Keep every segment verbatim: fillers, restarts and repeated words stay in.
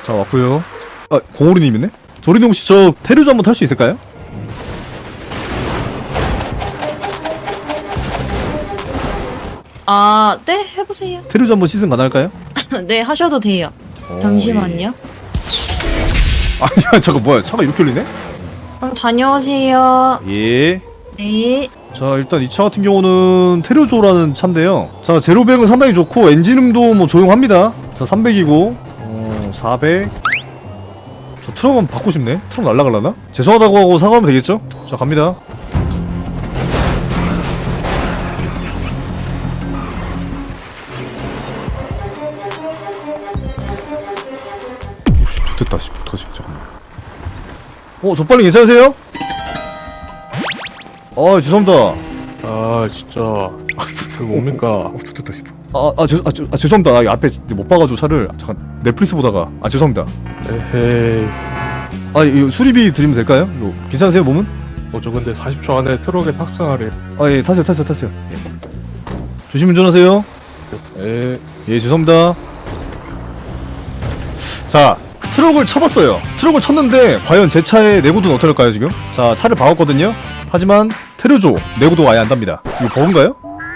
자, 왔고요. 아, 고오리님 있네? 조리님 혹시 저 테르즈 한번 탈 수 있을까요? 아, 네, 해보세요. 테르즈 한번 시승 가능할까요? 네, 하셔도 돼요. 오, 잠시만요. 예. 아니야, 저거 뭐야? 차가 이렇게 흘리네? 그럼 다녀오세요. 예. 네. 자, 일단 이 차 같은 경우는 테르조라는 차인데요. 자, 제로백은 상당히 좋고 엔진음도 뭐 조용합니다. 자, 삼백이고 어, 사백. 저 트럭 한번 받고 싶네. 트럭 날라갈라나? 죄송하다고 하고 사과하면 되겠죠? 자, 갑니다. 오씨, 좋됐다. 씨, 어떡하지? 잠깐만. 어, 저 빨리 괜찮으세요? 아, 죄송합니다. 아 진짜 그 뭡니까? 어, 좋됐다 싶어. 아, 아, 죄, 아, 죄, 아, 죄송합니다. 아, 앞에 못 봐가지고 차를 잠깐 넷플릭스 보다가 아, 죄송합니다. 에헤이. 아, 이거 수리비 드리면 될까요? 이거 괜찮으세요, 몸은? 어저 근데 사십 초 안에 트럭에 탑승하래. 아, 예, 타세요, 타세요, 타세요. 예. 조심 운전하세요. 에. 예, 죄송합니다. 자, 트럭을 쳐봤어요. 트럭을 쳤는데 과연 제 차의 내구도는 어떨까요, 지금? 자, 차를 박았거든요. 하지만 테르조 내구도가 아예 안 답니다. 이거 버그인가요?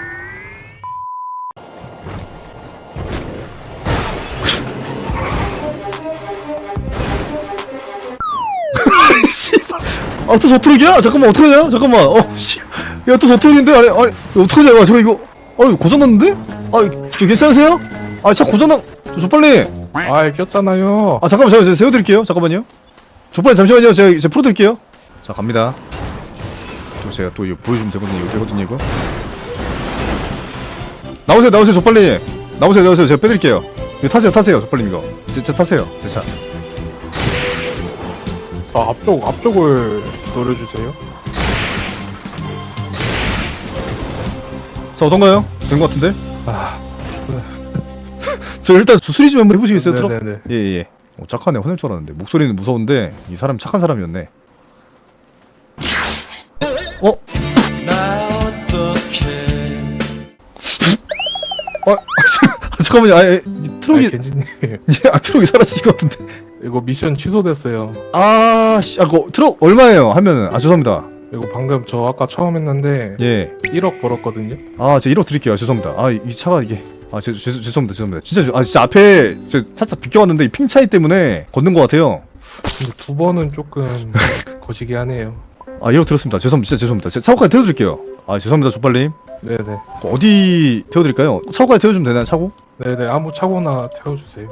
씨발. 아, 또 저 트럭이야? 잠깐만, 어떡하냐? 잠깐만. 어, 씨. 야, 또 저 트럭인데? 아니, 아니, 어떡하냐? 아, 저거 이거. 아, 이거 고장났는데? 아, 저 괜찮으세요? 아, 차 고장나. 저, 저 빨리. 아 꼈잖아요. 아, 잠깐만, 제가 세워드릴게요. 잠깐만요. 저 빨리 잠시만요. 제가, 제가 풀어드릴게요. 자, 갑니다. 또 제가 또 이거 보여주면 되거든요. 이거 되거든요, 이거. 나오세요, 나오세요. 저 빨리. 나오세요, 나오세요. 제가 빼드릴게요. 이거 타세요, 타세요. 저 빨리 이거. 제, 제 타세요. 제 차. 아 앞쪽 앞쪽을 노려주세요. 자, 어떤가요? 된 것 같은데? 아. 저 일단 수리 좀 한번 해보시겠어요, 트럭? 네네네. 예, 예. 어, 착하네. 화낼 줄 알았는데. 목소리는 무서운데, 이 사람 착한 사람이었네. 어? 어? 잠깐만요. 아, 예, 이 트럭이, 아, 겐지님 예, 아, 트럭이 사라지신 것 같은데. 이거 미션 취소됐어요. 아, 씨, 아, 그 트럭 얼마예요? 하면은, 아, 죄송합니다. 이거 방금 저 아까 처음 했는데 예. 일억 벌었거든요. 아, 제가 일억 드릴게요. 죄송합니다. 아, 이, 이 차가 이게. 아, 죄, 죄, 죄송합니다. 죄송합니다. 진짜, 죄- 아, 진짜 앞에, 저 차차 비껴왔는데, 이 핑 차이 때문에 걷는 것 같아요. 근데 두 번은 조금 거시기 하네요. 아, 일억 들었습니다. 죄송합니다. 진짜 죄송합니다. 제가 차고까지 태워드릴게요. 아, 죄송합니다. 조빨님. 네네. 어디 태워드릴까요? 차고까지 태워주면 되나요? 차고? 네네 아무 차고나 태워주세요.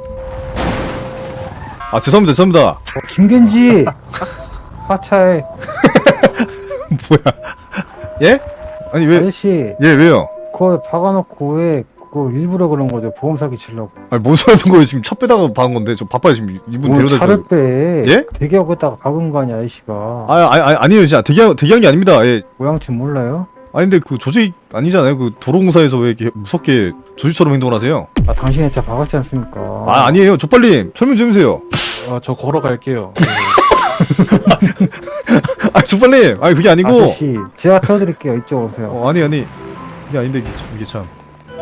아, 죄송합니다. 죄송합니다. 어, 김겐지 하차해. 뭐야? 예? 아니 왜? 아저씨 예, 왜요? 그거 박아놓고 왜 그거 일부러 그런 거죠? 보험 사기 치려고. 아니 뭔 소리 하는 거예요? 지금 차 빼다가 박은 건데 저 바빠요 지금 이분 뭘 데려다 차를 줘요. 빼? 예? 대기하고있다가 박은 거 아니야 아저씨가. 아, 아니, 아니 아니에요 진짜 대기한 대기한 게 아닙니다. 예. 모양쯤 몰라요? 아니 근데 그 조직 아니잖아요. 그 도로공사에서 왜 이렇게 무섭게 조직처럼 행동을 하세요? 아 당신의 차 박았지 않습니까? 아, 아니에요. 조빨님 설명 좀 해주세요. 아 저 걸어갈게요. 아, 조빨님. 아니 그게 아니고. 아저씨 제가 태워드릴게요. 이쪽 오세요. 어, 아니 아니 이게 아닌데 이게 참, 이게 참.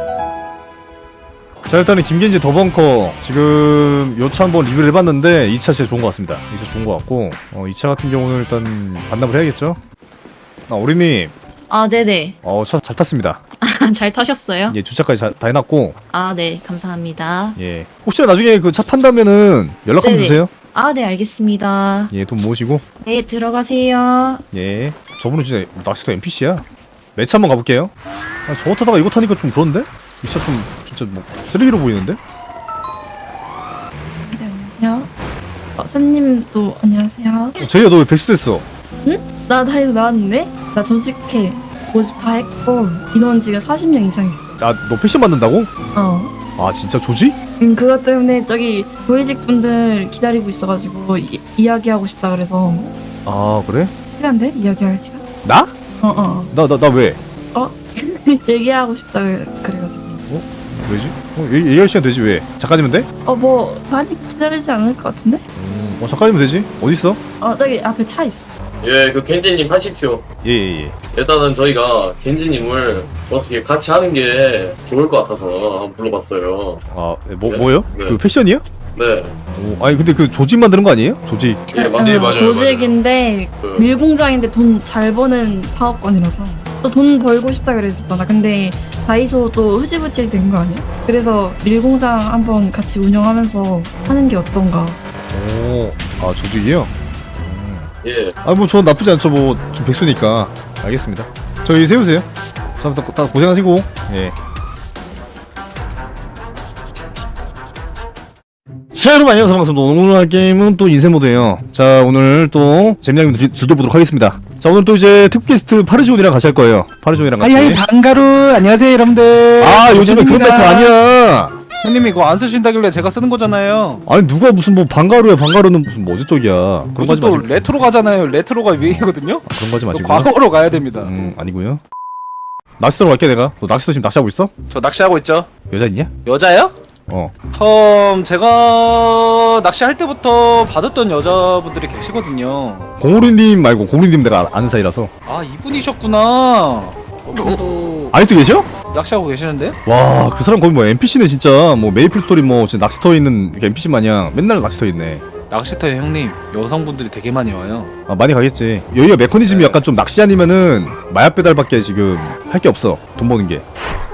자, 일단은 김겐지 더벙커 지금 요 차 한번 리뷰를 해봤는데 이 차 진짜 좋은 것 같습니다. 이 차 좋은 것 같고 어, 이 차 같은 경우는 일단 반납을 해야겠죠? 아, 오리님 아, 네네. 어, 차 잘 탔습니다. 잘 타셨어요? 예, 주차까지 자, 다 해놨고 아, 네. 감사합니다. 예, 혹시나 나중에 그 차 판다면은 연락 한번 네네. 주세요. 아, 네. 알겠습니다. 예, 돈 모으시고. 네, 들어가세요. 예, 저분은 진짜 낚시도 엔피씨야. 매차 한번 가볼게요. 아, 저거 타다가 이거 타니까 좀 그런데? 이 차 좀 진짜 뭐 쓰레기로 보이는데? 네, 안녕하세요. 어, 선님도 안녕하세요. 어, 제이야 너 왜 백수 됐어? 나 다 이거 나왔는데? 나 조직해. 모집 다 했고 인원 지금 사십 명 이상 있어. 아, 너 패션 만든다고? 어. 아, 진짜 조지? 음, 그것 때문에 저기 고위직 분들 기다리고 있어가지고 이, 이야기하고 싶다 그래서. 아, 그래? 시간돼? 이야기할 시간? 나? 어, 어. 나, 나, 나 왜? 얘기하고 싶다 그래가지고. 왜지? 어, 얘, 얘기할 시간 되지, 왜? 작가님은 돼? 어, 뭐 많이 기다리지 않을 것 같은데? 음, 어, 작가님은 되지? 어딨어? 어, 저기 앞에 차 있어. 예, 그 겐지님 하십시오. 예, 예, 예. 일단은 저희가 겐지님을 어떻게 같이 하는 게 좋을 것 같아서 한번 불러봤어요. 아, 뭐, 네, 뭐요? 네. 그 패션이요? 네. 오, 아니 근데 그 조직 만드는 거 아니에요? 조직. 예, 어, 맞아요. 맞아요. 조직인데 그, 밀공장인데 돈 잘 버는 사업권이라서 또 돈 벌고 싶다 그랬었잖아. 근데 다이소도 흐지부지 된 거 아니야? 그래서 밀공장 한번 같이 운영하면서 하는 게 어떤가? 오, 아 조직이요? 예. 아 뭐 전 나쁘지 않죠. 뭐 좀 백수니까. 알겠습니다. 저기 세우세요. 자, 다, 다 고생하시고. 예. 자 여러분 안녕하세요. 반갑습니다. 오늘 할 게임은 또 인생 모드예요. 자 오늘 또 재미나게 즐겨보도록 하겠습니다. 자 오늘 또 이제 특급 게스트 파르지온이랑 같이 할 거예요. 파르지온이랑 같이. 아이 반가루 안녕하세요 여러분들. 아 요즘에 그런 멘트 아니야. 형님 이거 안 쓰신다길래 제가 쓰는 거잖아요. 아니 누가 무슨 뭐 방가루야. 방가루는 무슨 뭐 어제쪽이야. 그런 거 하지 또 마시고. 레트로 가잖아요. 레트로가 유행이거든요. 아, 그런 거 하지 또 마시고. 과거로 가야 됩니다. 음 아니고요. 낚시터로 갈게 내가. 너 낚시터 지금 낚시하고 있어? 저 낚시하고 있죠. 여자 있냐? 여자요? 어. 음 제가 낚시할 때부터 받았던 여자분들이 계시거든요. 공우리님 말고 공우리님 내가 아는 사이라서. 아 이분이셨구나. 저분도 아직도 계셔? 낚시하고 계시는데? 와 그 사람 거의 뭐 엔피씨네 진짜. 뭐 메이플 스토리 뭐 진짜 낚시터에 있는 엔피씨 마냥 맨날 낚시터에 있네. 낚시터에 형님 여성분들이 되게 많이 와요. 아 많이 가겠지. 여기가 메커니즘이 네. 약간 좀 낚시 아니면은 마약 배달밖에 지금 할 게 없어. 돈 버는 게.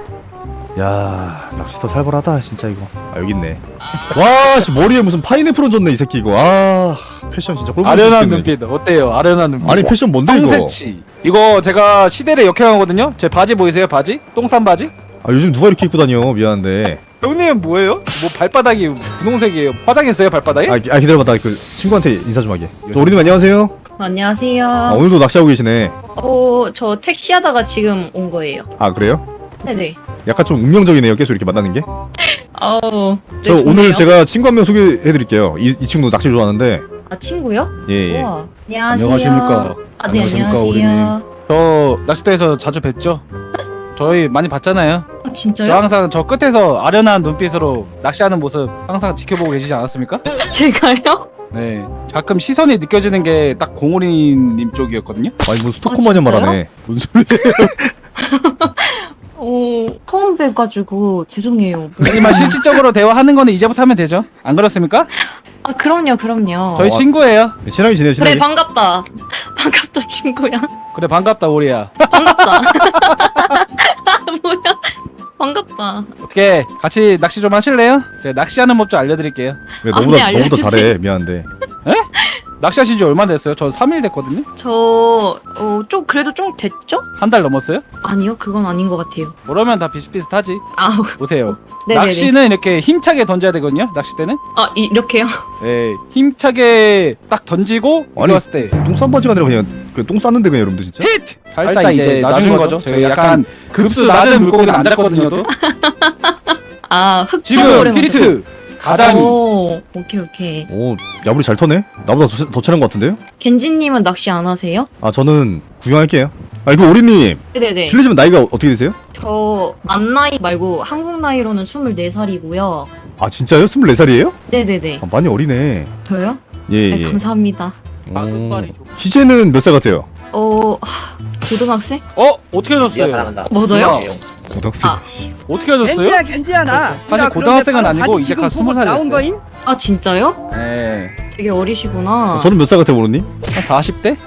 야 낚시터 살벌하다 진짜 이거. 아 여기 있네. 와 씨 머리에 무슨 파인애플 얹었네 이 새끼 이거. 아 패션 진짜 꼴보기 아련한 싫겠네, 눈빛 어때요? 아련한 눈빛. 이거. 아니 패션 뭔데 이거? 똥새치. 이거 제가 시대를 역행하거든요. 제 바지 보이세요? 바지? 똥싼 바지? 아 요즘 누가 이렇게 입고 다녀. 미안한데. 형님은 뭐예요? 뭐 발바닥이 분홍색이에요. 화장했어요 발바닥에? 아, 기- 아 기다려봐. 나 그 친구한테 인사 좀 하게. 저 우리님 안녕하세요. 안녕하세요. 아 오늘도 낚시하고 계시네. 어, 저 택시 하다가 지금 온 거예요. 아 그래요? 네네. 약간 좀 운명적이네요. 계속 이렇게 만나는 게. 어, 네, 저 좋네요. 오늘 제가 친구 한 명 소개해드릴게요. 이, 이 친구도 낚시 좋아하는데. 아, 친구요? 예 예. 우와. 안녕하세요. 안녕하십니까. 아, 네, 안녕하십니까, 안녕하세요. 저 낚시터에서 자주 뵙죠? 저희 많이 봤잖아요. 아, 저 진짜요? 항상 저 끝에서 아련한 눈빛으로 낚시하는 모습 항상 지켜보고 계시지 않았습니까? 제가요? 네. 가끔 시선이 느껴지는 게 딱 공오리님 쪽이었거든요. 아니 뭐 스토커 마냥 진짜요? 말하네. 뭔 소리야? 어, 처음 뵈가지고 죄송해요. 하지만 실질적으로 대화하는 거는 이제부터 하면 되죠. 안 그렇습니까? 아, 그럼요, 그럼요. 저희 어. 친구예요. 친하게 지내요 그래, 친하게. 반갑다. 반갑다, 친구야. 그래 반갑다 오리야. 반갑다. 뭐야? 반갑다. 어떻게 같이 낚시 좀 하실래요? 제가 낚시하는 법 좀 알려드릴게요. 왜 아, 너보다 네, 너보다 알려주세요. 잘해. 미안한데. 낚시하신 지 얼마 됐어요? 저 삼 일 됐거든요. 저, 어, 좀, 그래도 좀 됐죠? 한 달 넘었어요? 아니요, 그건 아닌 것 같아요. 그러면 다 비슷비슷하지. 아우, 보세요. 네네네. 낚시는 이렇게 힘차게 던져야 되거든요. 낚시 때는. 아, 이, 이렇게요? 예, 힘차게 딱 던지고 아니, 들어왔을 때 똥싼 바지가 아니라 그냥 그 똥 쌌는데 그냥 여러분들 진짜. 히트! 살짝 이제 낮은 거죠. 저희 약간 급수 낮은 물고기는 안 잡거든요. 또. 아, 흑 지금 피리트 가자미. 오, 오케이, 오케이. 오 야구리 잘 터네. 나보다 더, 더 친한 것 같은데요? 겐지님은 낚시 안 하세요? 아 저는 구경할게요. 아 이거 오리님 네네네. 실례지만 나이가 어떻게 되세요? 저, 만 나이 말고 한국 나이로는 스물네 살이고요. 아 진짜요? 스물네 살이에요? 네네네. 아, 많이 어리네. 저요? 예예. 네, 감사합니다. 희재는 몇 살 같아요? 어, 하, 고등학생? 어? 어떻게 하셨어요? 잘한다. 맞아요? 고등학생. 아. 어떻게 하셨어요? 겐지야 겐지야 나. 사실 나 고등학생은 그런데 아니고 바지 이제 지금 갓 스무 보고 살 나온 됐어요. 거임? 아, 진짜요? 네. 되게 어리시구나. 저는 몇 살 같아요, 모르님? 한 사십 대?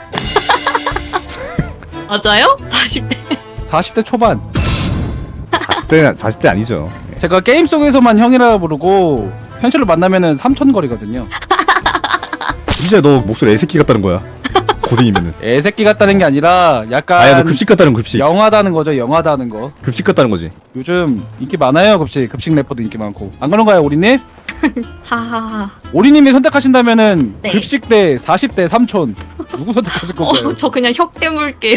맞아요? 사십 대. 사십 대 초반. 사십 대 사십 대 아니죠. 제가 게임 속에서만 형이라 부르고 현실로 만나면은 삼촌 거리거든요. 희재 너 목소리 애새끼 같다는 거야. 고딩이면은. 애새끼 같다는 게 아니라 약간 아야 너 급식 같다는 거, 급식. 영하다는 거죠. 영하다는 거. 급식 같다는 거지. 요즘 인기 많아요. 급식 급식 래퍼도 인기 많고. 안 그런가요, 오리님? 하하하. 오리님이 선택하신다면은 네. 급식 대 사십 대 삼촌 누구 선택하실 건가요? 어, 저 그냥 혁 깨물게요.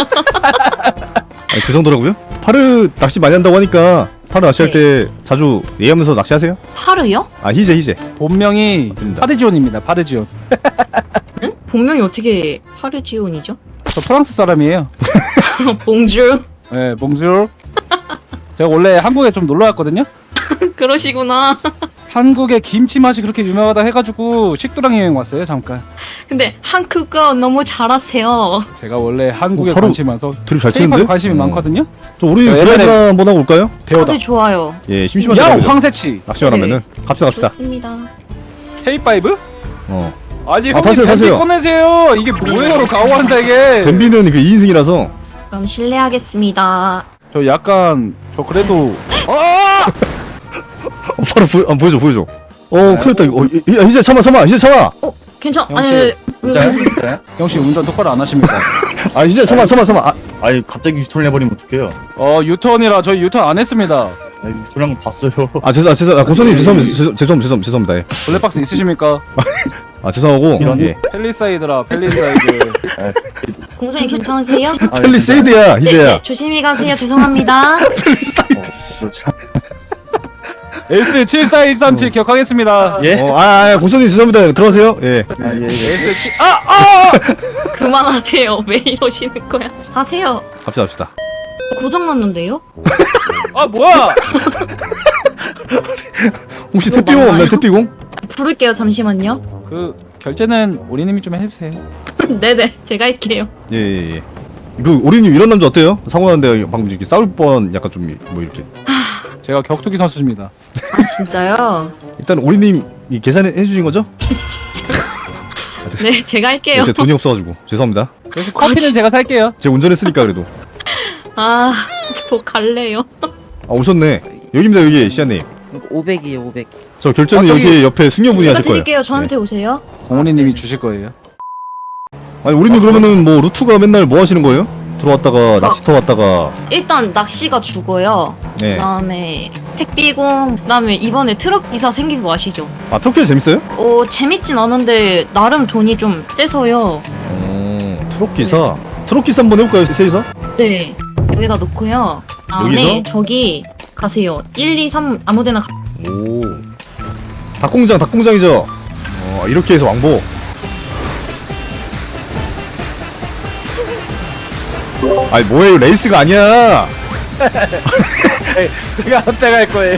아니 그 정도라고요? 파르 낚시 많이 한다고 하니까 파르 낚시할 네. 때 자주 얘기하면서 낚시하세요? 파르요? 아 희재 희재. 본명이 맞습니다. 파르지온입니다. 파르지온. 응? 본명이 어떻게 파르지온이죠? 저 프랑스 사람이에요. 봉주. 네, 봉주르. 제가 원래 한국에 좀 놀러 왔거든요. 그러시구나. 한국의 김치 맛이 그렇게 유명하다 해가지고 식도락 여행 왔어요 잠깐. 근데 한국어 너무 잘하세요. 제가 원래 한국에 어, 바로 관심 많아서 드립 잘 K-팝에 치는데? 관심이 어. 많거든요. 저 우리 야, 드라이브 옛날에- 한번 하고 올까요? 대호다. 다들 좋아요. 예, 심심하지 야 않아요. 황새치 낚시만 하면은 갑시다 갑시다. 좋습니다. 케이 파이브? 어. 아니 아, 형님 타세요, 뱀비 타세요. 꺼내세요. 이게 뭐예요 가오한사 이게. 뱀비는 그 이 인승이라서. 그럼 실례하겠습니다. 저 약간 저 그래도 어, 바로 보, 아, 보여줘 보여줘. 어 큰일 났다 이거. 어, 이- 야, 이제 참아 참아 이제 참아. 어, 괜찮? 영씨, 아니, 진짜요? 진짜요? 형씨 운전 똑바로 안 하십니까? 아 이제 참아 참아 참아. 아, 아니 갑자기 유턴을 해버리면 어떡해요? 어 유턴이라 저희 유턴 안 했습니다. 아니 유턴한 거 봤어요. 아 죄송 아 죄송 아 고선님 죄송합니다 죄송 죄송 죄송 죄송합니다. 예. 블랙박스 있으십니까? 아 죄송하고 이런- 예. 펠리사이드라 펠리사이드. 공선이 괜찮으세요? 아, 펠리세이드야 희재야. 네, 조심히 가세요. 죄송합니다. 어, 그렇죠. 에스 칠사일삼칠 기억하겠습니다. 예? 어, 아, 아 고선님 죄송합니다. 들어가세요. 예. 아, 예, 예. 에스 칠 아! 아! 그만하세요. 왜 이러시는 거야? 하세요. 갑시다 갑시다. 고장 났는데요? 아 뭐야? 혹시 이거 택비공 없나요? 맞나요? 택비공? 부를게요. 잠시만요. 그 결제는 우리님이 좀 해주세요. 네네, 제가 할게요. 예, 예, 예. 그 오리님 이런 남자 어때요? 사고 나는데 방금 이렇게 싸울 뻔 약간 좀 뭐 이렇게. 제가 격투기 선수입니다. 아, 진짜요? 일단 오리님 이 계산해 주신 거죠? 네, 제가 할게요. 제 돈이 없어가지고 죄송합니다. 역시 커피는 제가 살게요. 제가 운전했으니까 그래도. 아, 저 갈래요. 아 오셨네. 여기입니다 여기 시아님. 오백이에요 오백. 저 결제는 아, 저기- 여기 옆에 숙녀분이 제가 하실 거예요. 드릴게요. 저한테 오세요. 공훈이님이 주실 거예요. 아니 오리님 그러면은 뭐 루트가 맨날 뭐 하시는 거예요? 들어왔다가 낚시터 왔다가. 일단 낚시가 죽어요. 네. 그다음에 택비공, 그다음에 이번에 트럭 기사 생긴 거 아시죠? 아 터키 재밌어요? 어, 재밌진 않은데 나름 돈이 좀 세서요. 어 트럭 기사. 트럭 기사 한번 해볼까요 세이서? 네, 여기다 놓고요. 다음에 여기서? 저기 가세요. 일, 이, 삼 아무데나 가. 오. 닭공장 닭공장이죠. 어 이렇게 해서 왕복. 아니 뭐예요 레이스가 아니야. 제가 한때 갈 거예요.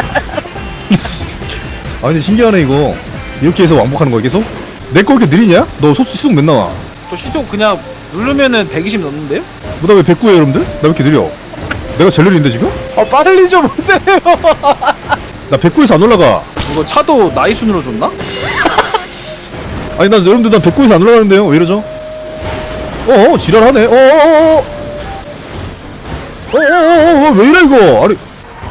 아 근데 신기하네 이거. 이렇게 해서 왕복하는 거야 계속? 내 거 이렇게 느리냐? 너 소, 시속 몇 나와? 저 시속 그냥 누르면은 백이십 넘는데요? 뭐 나 왜 백구해 여러분들? 나 왜 이렇게 느려? 내가 제일 느린데 지금? 아 빨리 좀 오세요. 나 백구에서 안 올라가. 이거 차도 나이 순으로 줬나? 아니 나 여러분들 나 백구에서 안 올라가는데요? 왜 이러죠? 어어 지랄하네. 어어어어 어어어어 왜 이래 이거? 아니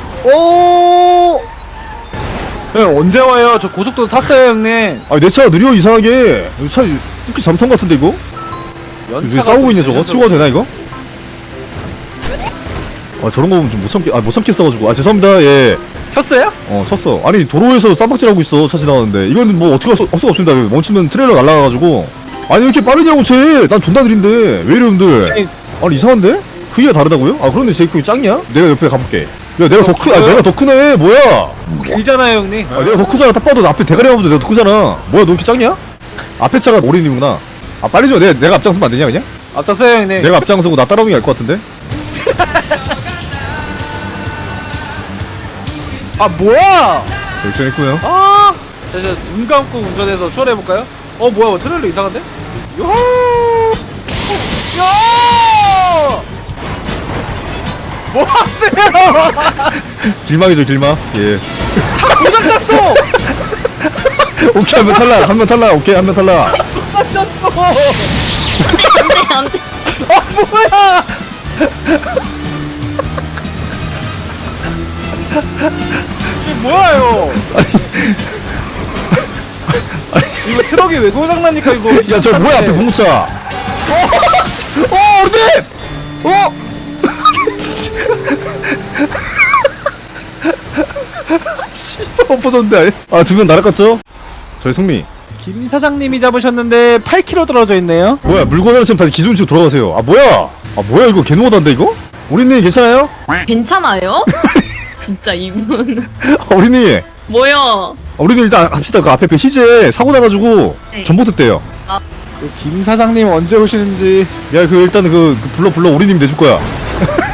어 형 언제 와요? 저 고속도로 탔어요 형님. 아니 내 차가 느려 이상하게. 이 차 이렇게 잠탄 같은데 이거? 왜 싸우고 있냐 저거? 치고 가도 되나 이거? 아 저런 거 보면 좀 못 참겠 아못 참겠어가지고 아 죄송합니다. 예. 쳤어요? 어 쳤어. 아니 도로에서 쌈박질하고 있어 차 지나가는데 이건 뭐 어떻게 할 수, 할 수가 없습니다. 멈추면 트레일러 날아가가지고. 아니 왜 이렇게 빠르냐고 쟤. 난 존나 느린데 왜 이래 여러분들. 아니 이상한데? 크기가 다르다고요? 아 그런데 제 크기 짱이야? 내가 옆에 가볼게. 야 내가 더 크.. 아 내가 더 크네 뭐야. 길잖아요 형님. 아 내가 더 크잖아. 딱 봐도 나 앞에 대가리 한번도 내가 더 크잖아. 뭐야 너 이렇게 짱이야? 앞에 차가 오린이구나. 아 빨리 줘. 내가, 내가 앞장서면 안 되냐 그냥? 앞섰어요 형님. 내가 앞장서고 나 따라오는 게 나을 것 같은데? 아 뭐야? 결정했고요. 아, 자, 자, 눈 감고 운전해서 추월해볼까요? 어, 뭐야, 뭐 트레일러 이상한데? 요호! 야! 뭐 하세요? 길막이죠 길막. 예. 차 고장났어! 오케이 한 명 탈락. 한 명 탈락. 오케이 한 명 탈락. 고장났어! 안돼, 안돼. 아, 뭐야! 이게 뭐야요? 이거 트럭이 왜 고장나니까 이거. 야 저 뭐야 앞에 공차. 어! 씨. 어 어른들! 어! 씨발 엎어졌는데. 아두 명 날아갔죠? 저희 승리. 김 사장님이 잡으셨는데 팔 킬로미터 떨어져 있네요. 뭐야 물건 하나 다시 기존치로 돌아가세요. 아 뭐야? 아 뭐야 이거 개노하다인데 이거? 우리님 괜찮아요? 괜찮아요? 진짜 이분. 아, 우리님. 뭐야? 아, 우리님 일단 합시다. 그 앞에 그 희재 사고 나가지고 네. 전봇대 떼요. 그 김 사장님 언제 오시는지. 야 그 일단 그, 그 불러 불러 우리님 내줄 거야.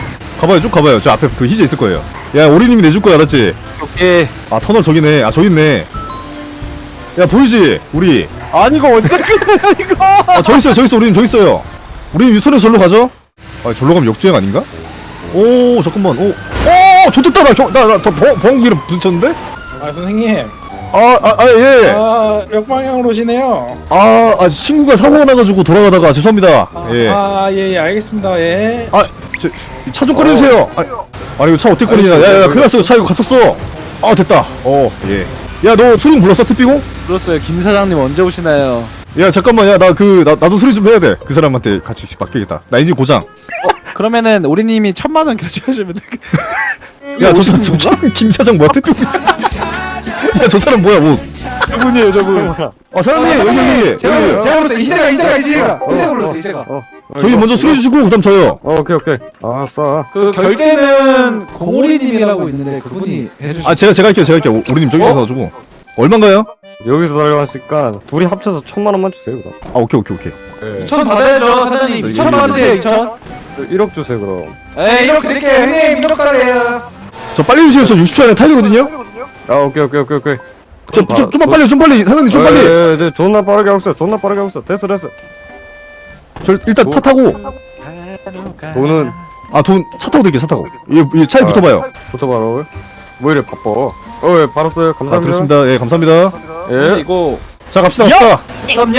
가봐요 쭉 가봐요. 저 앞에 그 희재 있을 거예요. 야 오리님이 내줄 거야 알았지? 오케이. 아 터널 저기네. 아 저기 있네. 야 보이지? 우리. 아니 이거 언제 끝내냐 이거. 아 저기 있어요 저기 있어. 우리님 저기 있어요. 우리님 유턴해서 절로 가죠? 아 절로 가면 역주행 아닌가? 오 잠깐만. 오. 오 좋겠다. 나나나더 보험기를 붙였는데? 아 선생님 아 아 아 예. 아 역방향으로 오시네요. 아, 아 친구가 사고가 나가지고 돌아가다가 죄송합니다. 예. 아예예 예, 알겠습니다. 예. 아, 저 차 좀 꺼내주세요. 아니, 아니 이거 차 어떻게 꺼내냐? 야야 큰일 났어. 차 이거 갇혔어. 아 됐다. 어 예. 야 너 수능 불렀어 특비공? 불렀어요. 김 사장님 언제 오시나요? 야 잠깐만 야 나 그 나 나도 수리 좀 해야 돼. 그 사람한테 같이 맡기겠다. 나 엔진 고장. 그러면은 우리님이 천만 원 결제하시면 돼. 야 저 사람 저 사람 김 사장 뭐야 특비공? 야 저 사람 뭐야 뭐? 저분이에요 저분. 아 사장님 여기 여기 제가 여기. 제가 불렀어요. 이제가 이제가 이제가 이제가 불렀어요. 이제가. 저희 먼저 수리해 주시고 그다음 저요. 어, 오케이 오케이. 알았어. 그 결제는 공오리님이라고 있는데 그분이 해주시. 아 제가 제가 할게요 제가 할게요. 오- 우리님 저기 있어가지고 얼마인가요? 여기서 달려왔으니까 둘이 합쳐서 천만 원만 주세요 그럼. 아 오케이 오케이 오케이. 이천 받아야죠 사장님. 이천 받으세요 이천. 일억 주세요 그럼. 에이 일억 드릴게요 형님 일억 달래요. 저 빨리 주세요. 저 육십 초 안에 타야 되거든요. 아 오케이 오케이 오케이 오케이. 저 좀 좀만 빨리 좀 빨리 사장님 좀 빨리. 예, 예, 존나 빠르게 하고 있어. 존나 빠르게 하고 있어. 됐어 됐어. 저 일단 타 타고. 돈은 아 돈 차 타고 드릴게요 차 타고. 이, 이 차에 붙어봐요. 붙어봐라. 뭐 이래 바빠. 어, 예, 받았어요. 아 감사합니다. 들었습니다. 예 감사합니다. 예. 이거 자 갑시다 갑시다. 그럼요.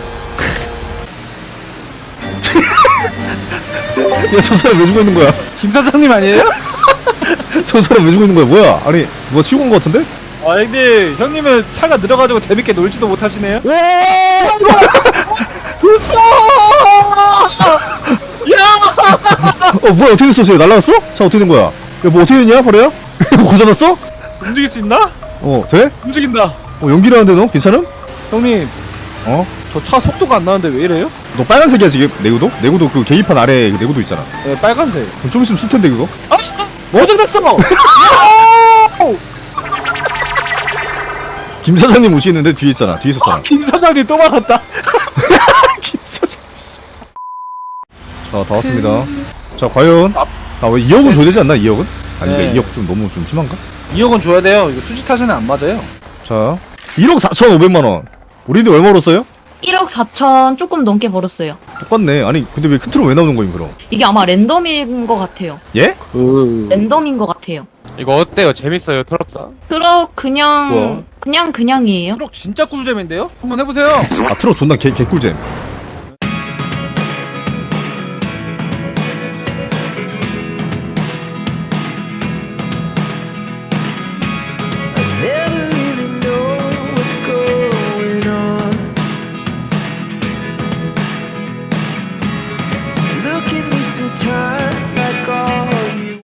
야 저 사람 왜 죽어 있는 거야? 김 사장님 아니에요? 저 사람 왜 죽어 있는 거야? 뭐야? 아니 누가 치고 온 거 같은데? 아 근데 형님은 차가 늘어가지고 재밌게 놀지도 못하시네요. 어 뭐야 어떻게 됐어? 쟤 날라갔어? 차 어떻게 된 거야? 야 뭐 어떻게 됐냐 버려야? 고장났어? 움직일 수 있나? 어 돼? 움직인다. 어 연기를 하는데 너? 괜찮음? 형님 어? 저 차 속도가 안 나는데 왜 이래요? 너 빨간색이야 지금 내구도? 내구도 그 계기판 아래 내구도 있잖아. 네 빨간색. 그럼 좀 있으면 쓸 텐데 그거? 고장났어. 김 사장님 오시는데 뒤에 있잖아. 뒤에 있었잖아. 김 사장님 또 말았다. 김 사장. 씨. 자 다 왔습니다. 자 과연 아왜 이억은 줘야 되지 않나? 이억은? 아닌가? 네. 이억 좀 너무 좀 심한가? 이억은 줘야 돼요. 이거 수지 타시는 안 맞아요. 자 일억 사천오백만 원. 우리는 얼마 벌었어요? 일억 사천 조금 넘게 벌었어요. 똑같네. 아니 근데 왜 큰 트럭 왜 나오는 거임 그럼? 이게 아마 랜덤인 것 같아요. 예? 그 랜덤인 것 같아요. 이거 어때요? 재밌어요 트럭사? 트럭 그냥 뭐야? 그냥 그냥이에요. 트럭 진짜 꿀잼인데요? 한번 해보세요. 아 트럭 존나 개 개꿀잼.